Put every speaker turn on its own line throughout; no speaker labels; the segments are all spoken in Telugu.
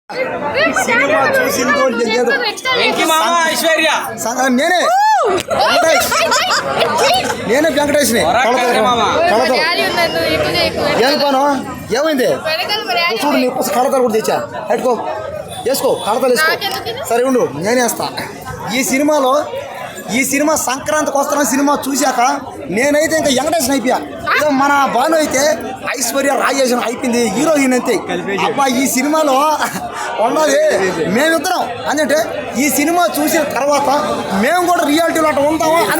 సినిమా చూసిందో లేదు నేనే వెంకటేష్ని ఏం పను ఏమైంది చూడు నీ కోసం కడతలు కూడా తెచ్చా పెట్టుకో వేసుకో కడతలు వేసుకో సరే ఉండు నేనే వేస్తా ఈ సినిమా సంక్రాంతికి వస్తున్న సినిమా చూశాక నేనైతే ఇంకా వెంకటేశ్వర అయిపోయా ఏదో మన భాను అయితే ఐశ్వర్య రాజేశ్వరం అయిపోయింది హీరోయిన్ అంతే అబ్బా ఈ సినిమాలో ఉన్నది మేమిద్దరం అంటే ఈ సినిమా చూసిన తర్వాత మేము కూడా రియాలిటీలో అట్లా ఉంటామో అని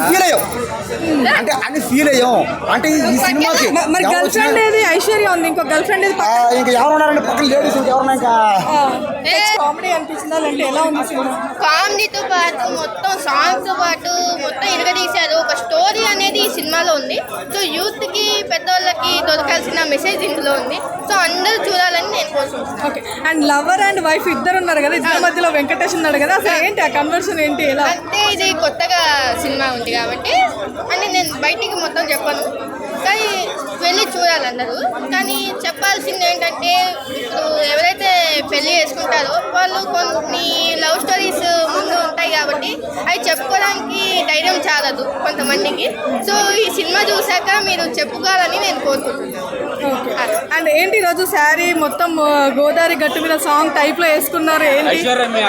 ఫీల్ అయ్యాం అంటే ఈ సినిమాకి
గర్ల్ ఫ్రెండ్ ఏది ఐశ్వర్య ఉంది ఇంకో గర్ల్ ఫ్రెండ్
ఇంకా ఎవరు ఉన్నారంటే పక్కన లేడీస్ ఎవరన్నా ఇంకా
కామెడీ అనిపించిందా అంటే ఎలా ఉంది సినిమా?
కామెడీతో పాటు మొత్తం సాంగ్తో పాటు మొత్తం ఇరగదీశారు. ఒక స్టోరీ అనేది ఈ సినిమాలో ఉంది. సో యూత్కి పెద్దవాళ్ళకి దొరకాల్సిన మెసేజ్ ఇందులో ఉంది. సో అందరూ చూడాలని నేను కోరుకుంటున్నాను.
Okay. And lover and wife ఇద్దరు ఉన్నారు కదా, ఇద్దరి మధ్యలో వెంకటేష్ ఉన్నాడు కదా, అసలు ఏంటి ఆ కన్వర్షన్ ఏంటి ఎలా?
అంటే ఇది కొత్తగా సినిమా ఉంది కాబట్టి అంటే నేను బయటికి మొత్తం చెప్పను, కానీ వెళ్ళి చూడాలి అందరూ. కానీ చెప్పాల్సింది ఏంటంటే ఇప్పుడు ఎవరైతే పెళ్లి చేసుకుంటారో వాళ్ళు కొన్ని లవ్ స్టోరీస్ ముందు ఉంటాయి కాబట్టి అవి చెప్పుకోవడానికి ధైర్యం చాలదు కొంతమందికి. సో ఈ సినిమా చూశాక మీరు చెప్పుకోవాలని నేను కోరుకుంటున్నాను.
అండ్ ఏంటి ఈరోజు శారీ మొత్తం గోదావరి గట్టు మీద సాంగ్ టైప్లో వేసుకున్నారు ఏంటి?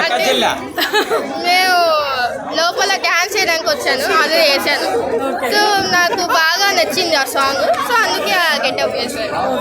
మేము లోపల డ్యాన్స్ చేయడానికి వచ్చాను, అదే చేశాను. సో నాకు బాగా నచ్చింది ఆ సాంగ్, సో అందుకే ఆ గెటప్ చేశాను.